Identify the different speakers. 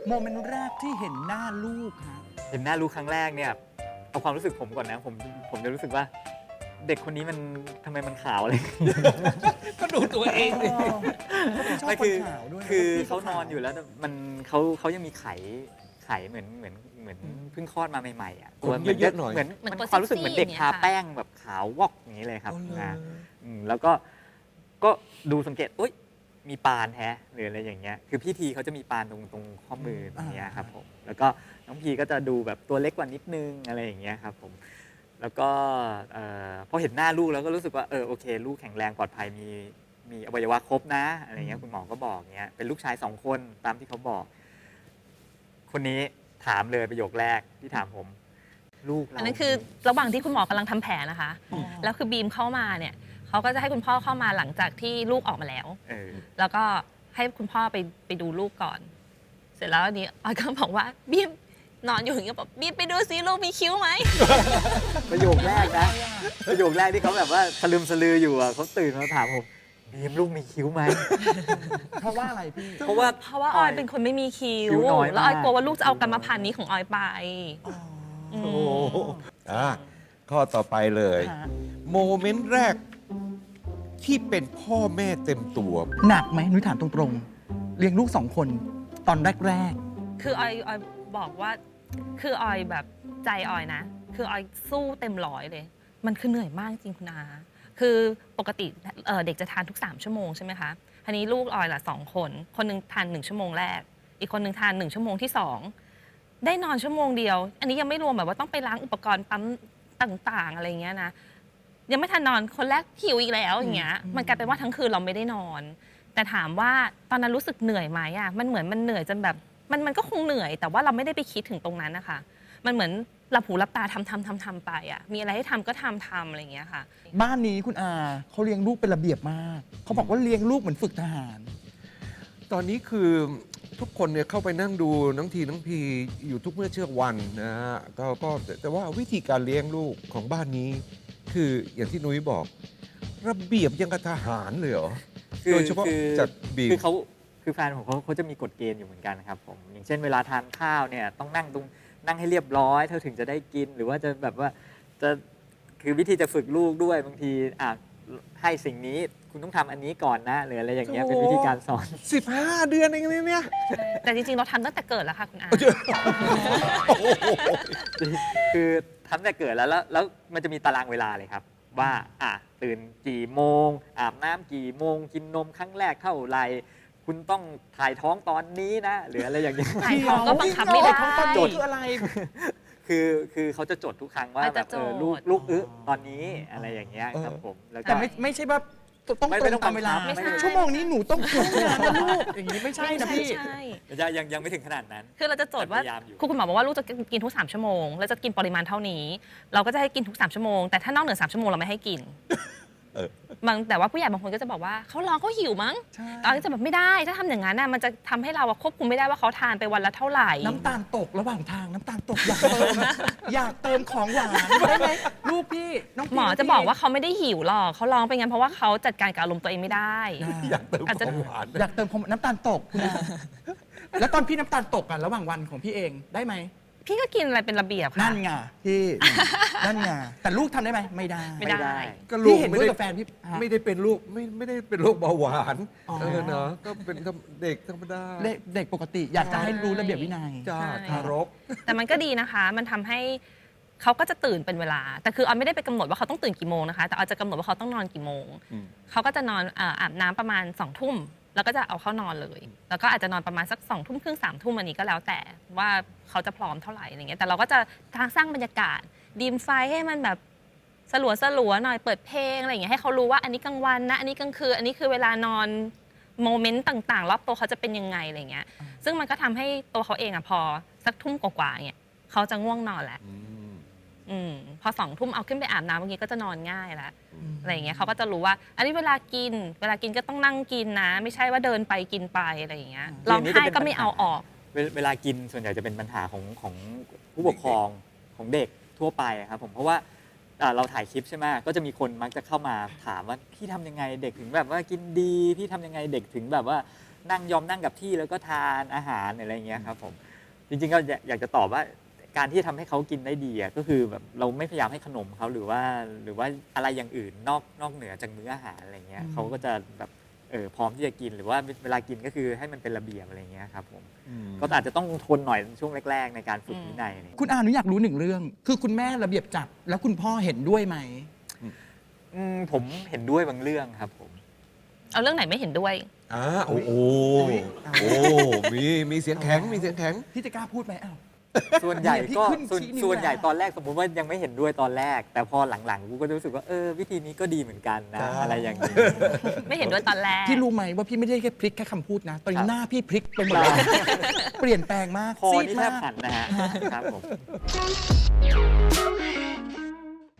Speaker 1: โมเมนต์แรกที่เห็นหน้าลูกฮะ
Speaker 2: เห็นหน้าลูกครั้งแรกเนี่ยเอาความรู้สึกผมก่อนนะผมจะรู้สึกว่าเด็กคนนี้มันทำไมมันขาวอะไร
Speaker 3: ก็ดูตัวเองดิ
Speaker 1: ชอบ
Speaker 2: ไม่
Speaker 1: ค
Speaker 2: คื
Speaker 1: น
Speaker 2: อ
Speaker 1: ขาวด้วย
Speaker 2: คือ
Speaker 1: พี่
Speaker 2: เขานอนอยู่แล้วมันเขายังมีไข่เหมือนเพิ่งคลอดมาใหม่ๆอ่ะ
Speaker 3: ขนเยอะๆหน่อย
Speaker 2: เหมือน
Speaker 4: เหมือน
Speaker 2: มัน
Speaker 4: ตัว
Speaker 2: ความรู้สึกเหมือนเด็ก
Speaker 4: ซี่
Speaker 2: ทา
Speaker 4: อย่างเงี้ยค่ะ
Speaker 2: แป้งแบบขาววอกอย่างนี้เลยครับ
Speaker 3: อ๋อเหรอ
Speaker 2: นะแล้วก็ดูสังเกตอุ๊ยมีปานแฮะหรืออะไรอย่างเงี้ยคือพี่ทีเขาจะมีปานตรงข้อมือตรงเนี้ยครับผมแล้วก็น้องพีก็จะดูแบบตัวเล็กกว่านิดนึงอะไรอย่างเงี้ยครับผมแล้วก็พอเห็นหน้าลูกแล้วก็รู้สึกว่าโอเคลูกแข็งแรงปลอดภัยมีอวัยวะครบนะอะไรเงี้ยคุณหมอก็บอกเงี้ยเป็นลูกชาย2 คนตามที่เขาบอก คนนี้ถามเลยประโยคแรกที่ถามผม ลูกเรา
Speaker 4: อันนั้นคือระหว่างที่คุณหมอกำลังทำแผลนะคะ แล้วคือบีมเข้ามาเนี่ยเขาก็จะให้คุณพ่อเข้ามาหลังจากที่ลูกออกมาแล้ว แล้วก็ให้คุณพ่อไปดูลูกก่อน เสร็จแล้วอันนี้ออยก็บอกว่าบีมนอนอยู่อย่างเงี้ยบอกบีมไปดูซิลูกมีคิ้วไหม
Speaker 2: ประโยคแรกนะประโยคแรกที่เขาแบบว่าสลืมสลืออยู่อ่ะเขาตื่นมาถามผมบีมลูกมีคิ้วไหม
Speaker 1: เพราะว่าอะไรพี่
Speaker 2: เพราะว่า
Speaker 4: เพราะว่าออยเป็นคนไม่มีคิ้
Speaker 2: คิ้
Speaker 4: ว
Speaker 2: วน้อยมาก
Speaker 4: แล้วออยกลัวว่าลูกจะเอากรรมพันธุ์นี้ของออยไป
Speaker 1: อ๋อ
Speaker 4: อื
Speaker 3: โอ้
Speaker 4: ม
Speaker 3: โหข้อต่อไปเลย
Speaker 1: ฮะ
Speaker 3: โมเมนต์แรกที่เป็นพ่อแม่เต็มตัว
Speaker 1: หนักไหมนุ้ยถามตรงๆเลี้ยงลูก2 คนตอนแรก
Speaker 4: คือออยบอกว่าคือออยแบบใจออยนะ คือออยสู้เต็มร้อยเลย มันคือเหนื่อยมากจริงคุณอาคือปกติเด็กจะทานทุก3 ชั่วโมงใช่ไหมคะทีนี้ลูกออยละ2 คนคนหนึงทาน1 ชั่วโมงแรก อีกคนหนึงทาน1 ชั่วโมงที่ 2 ได้นอนชั่วโมงเดียว อันนี้ยังไม่รวมแบบว่าต้องไปล้างอุปกรณ์ปั๊มต่างๆอะไรอย่างเงี้ยนะยังไม่ทันนอนคนแรกหิวอีกแล้วอย่างเงี้ยมันกลายเป็นว่าทั้งคืนเราไม่ได้นอน แต่ถามว่าตอนนั้นรู้สึกเหนื่อยไหมอ่ะมันเหมือนมันเหนื่อยจนแบบมันก็คงเหนื่อย แต่ว่าเราไม่ได้ไปคิดถึงตรงนั้นนะคะมันเหมือนหลับหูหลับตาทำไปอ่ะมีอะไรให้ทำก็ทำอะไรอย่างเงี้ยค่ะ
Speaker 1: ๆ บ้านนี้คุณอาเขาเลี้ยงลูกเป็นระเบียบมาก เขาบอกว่าเลี้ยงลูกเหมือนฝึกทหาร
Speaker 3: ตอนนี้คือทุกคนเนี่ยเข้าไปนั่งดูน้องพีอยู่ทุกเมื่อเช้าวันนะฮะก็แต่ว่าวิธีการเลี้ยงลูกของบ้านนี้ คืออย่างที่นุ้ยบอก ระเบียบยังกับทหารเลยเหรอ โดยเฉพาะจากบีม
Speaker 2: คือแฟนผมเขาจะมีกฎเกณฑ์อยู่เหมือนกันครับผมอย่างเช่นเวลาทานข้าวเนี่ยต้องนั่งให้เรียบร้อยเธอถึงจะได้กิน หรือว่าจะแบบว่าจะคือวิธีจะฝึกลูกด้วยบางทีให้สิ่งนี้คุณต้องทำอันนี้ก่อนนะหรืออะไรอย่างเงี้ยเป็นวิธีการสอน
Speaker 3: 15 เดือนเองเนี่ย
Speaker 4: แต่จริงๆเราทำตั้งแต่เกิดแล้วค่ะคุณอา
Speaker 2: คือทำแต่เกิดแล้วมันจะมีตารางเวลาเลยครับ ว่าตื่นกี่โมง อาบน้ำกี่โมง กินนมครั้งแรกเท่าไหร่คุณต้องถ่ายท้องตอนนี้นะ หรืออะไรอย่างเงี้ย
Speaker 4: ถ่ายท้องก็บังคับไม่ได้
Speaker 1: ท้องตอนนี้คืออะไร
Speaker 2: คือเขาจะจดทุกครั้งว่า
Speaker 4: เขา
Speaker 2: แบ
Speaker 4: จะ
Speaker 2: บ
Speaker 4: จด
Speaker 2: ลูกตอนนี้อะไรอย่างเงี้ยครับผมแล้วก็
Speaker 1: แต่ไม่ใช่ว่าต้อง
Speaker 2: ไม่
Speaker 1: ตรง
Speaker 2: ต้อง
Speaker 1: ตามเวลา
Speaker 2: บังคับไม่ใช่
Speaker 1: ชั่วโมงนี้หนูต้องทำงานนะลูกอย่างนี้ไม่ใช่นะพี่
Speaker 4: ใช่
Speaker 2: ยังไม่ถึงขนาดนั้น
Speaker 4: คือเราจะจดว่า
Speaker 2: พยายามอยู่
Speaker 4: คุณหมอบอกว่าลูกจะกินทุก3 ชั่วโมงแล้วจะกินปริมาณเท่านี้ เราก็จะให้กินทุก3 ชั่วโมงแต่ถ้านอกเหนือ3 ชั่วโมงเราไม่ให้กิน
Speaker 3: เออ
Speaker 4: แต่ว่าผู้ใหญ่บางคนก็จะบอกว่าเขาร้องเขาหิวมั้ง
Speaker 1: ใช่
Speaker 4: ตอนนี้จะแบบไม่ได้ถ้าทำอย่างนั้นน่ะมันจะทำให้เราอะควบคุมไม่ได้ว่าเขาทานไปวันละเท่าไหร่
Speaker 1: น้ำตาลตกระหว่างทางน้ำตาลตกอยากเติมของหวานได้ไหมลูกพี่น้องพี่
Speaker 4: หมอจะบอกว่าเขาไม่ได้หิวหรอกเขาร้องไปงั้นเพราะว่าเขาจัดการกับอารมณ์ตัวเองไม่ได้
Speaker 3: อยากเติม
Speaker 4: อาจจะ
Speaker 3: ของหวาน
Speaker 1: อยากเติมของน้ำตาลตกคุณอาแล้วตอนพี่น้ำตาลตกระหว่างวันของพี่เองได้ไหม
Speaker 4: พี่ก็กินอะไรเป็นระเบียบค่ะ
Speaker 1: นั่นไงพี่นั่นไงแต่ลูกทำได้ไหมไม่ได้
Speaker 4: ไม่ได้
Speaker 3: ก็ลู
Speaker 1: พี่
Speaker 3: ก
Speaker 1: เห็นด้วยกับแฟนพี่ฮะ
Speaker 3: ไม่ได้เป็นลูกไม่ได้เป็นโรคเบาหวาน
Speaker 1: อ๋อ
Speaker 3: เนาะก็เป็นเด็กธรรมดา
Speaker 1: เด็กปกติอยากจะให้รู้ระเบียบวินัย
Speaker 3: จ้า
Speaker 4: ใช่
Speaker 3: ทารก
Speaker 4: แต่มันก็ดีนะคะ มันทำให้เขาก็จะตื่นเป็นเวลา แต่คือออยไม่ได้ไปกำหนดว่าเขาต้องตื่นกี่โมงนะคะ แต่ออยจะกำหนดว่าเขาต้องนอนกี่โมง
Speaker 3: อืม
Speaker 4: เขาก็จะนอนอาบน้ำประมาณ2 ทุ่ม แล้วก็จะเอาเข้านอนเลย แล้วก็อาจจะนอนประมาณสัก2 ทุ่มครึ่ง3 ทุ่มอันนี้ก็แล้วแต่ว่าเขาจะพร้อมเท่าไหร่อะไรเงี้ย แต่เราก็จะสร้างบรรยากาศดีมไฟให้มันแบบสลัวหน่อยเปิดเพลงอะไรอย่างเงี้ยให้เขารู้ว่าอันนี้กลางวันนะอันนี้กลางคืนอันนี้คือเวลานอนโมเมนต์ต่างๆรอบตัวเขาจะเป็นยังไงอะไรเงี้ย ซึ่งมันก็ทำให้ตัวเขาเองอะพอสักทุ่มกว่าๆเนี่ยเขาจะง่วงนอนแหละ พอ2 ทุ่มเอาขึ้นไปอาบน้ำเมื่อกี้ก็จะนอนง่ายแล้วอะไรอย่างเงี้ยเขาก็จะรู้ว่า อันนี้เวลากินก็ต้องนั่งกินนะ ไม่ใช่ว่าเดินไปกินไปอะไรอย่างเงี้ยร้องไห้ก็ไม่เอาออก
Speaker 2: เวลากินส่วนใหญ่จะเป็นปัญหาของผู้ปกครองของเด็กทั่วไปครับผมเพราะว่าเราถ่ายคลิปใช่ไหมก็จะมีคนมักจะเข้ามาถามว่าพี่ทำยังไงเด็กถึงแบบว่ากินดีพี่ทำยังไงเด็กถึงแบบว่านั่งยอมนั่งกับที่แล้วก็ทานอาหารอะไรอย่างเงี้ยครับผมจริงๆก็อยากจะตอบว่าการที่ทำให้เขากินได้ดีอะก็คือแบบเราไม่พยายามให้ขนมเขาหรือว่าอะไรอย่างอื่นนอกเหนือจากมื้ออาหารอะไรเงี้ยเขาก็จะแบบพร้อมที่จะกินหรือว่าเวลากินก็คือให้มันเป็นระเบียบอะไรเงี้ยครับผมก็อาจจะต้องทนหน่อยช่วงแรกๆในการฝึกวินัยอะไรเงี้ย
Speaker 1: คุณอาหนูอยากรู้หนึ่งเรื่อง คือคุณแม่ระเบียบจัดแล้วคุณพ่อเห็นด้วยไหม
Speaker 2: ผมเห็นด้วยบางเรื่องครับผม
Speaker 4: เอาเรื่องไหนไม่เห็นด้วย
Speaker 3: โอ้โหมีเสียงแข็งมีเสียงแข็ง
Speaker 1: พี่จะกล้าพูดไหมอ้าว
Speaker 2: ส่วนใหญ่
Speaker 1: เนี่ยพี่
Speaker 2: ก็
Speaker 1: ขึ้นชี้นิ้ว
Speaker 2: ส่วนใหญ่
Speaker 1: แล้ว
Speaker 2: ตอนแรกสมมุติว่ายังไม่เห็นด้วยตอนแรก แต่พอหลังๆกูก็รู้สึกว่าวิธีนี้ก็ดีเหมือนกันนะ
Speaker 3: ครับ
Speaker 2: อะไรอย่างนี้
Speaker 4: ไม่เห็นด้วยตอนแรก
Speaker 1: พี่รู้ไหมว่าพี่ไม่ได้แค่พลิกแค่คำพูดนะ ตอน
Speaker 2: ครั
Speaker 1: นี้
Speaker 2: บ
Speaker 1: หน้าพี่พลิกไปหมดเลย เปลี่ยนแปลงมาก
Speaker 2: คอ
Speaker 1: ซีด
Speaker 2: นี่แท
Speaker 1: มา
Speaker 2: บ
Speaker 1: ก
Speaker 2: หันนะฮะครับผม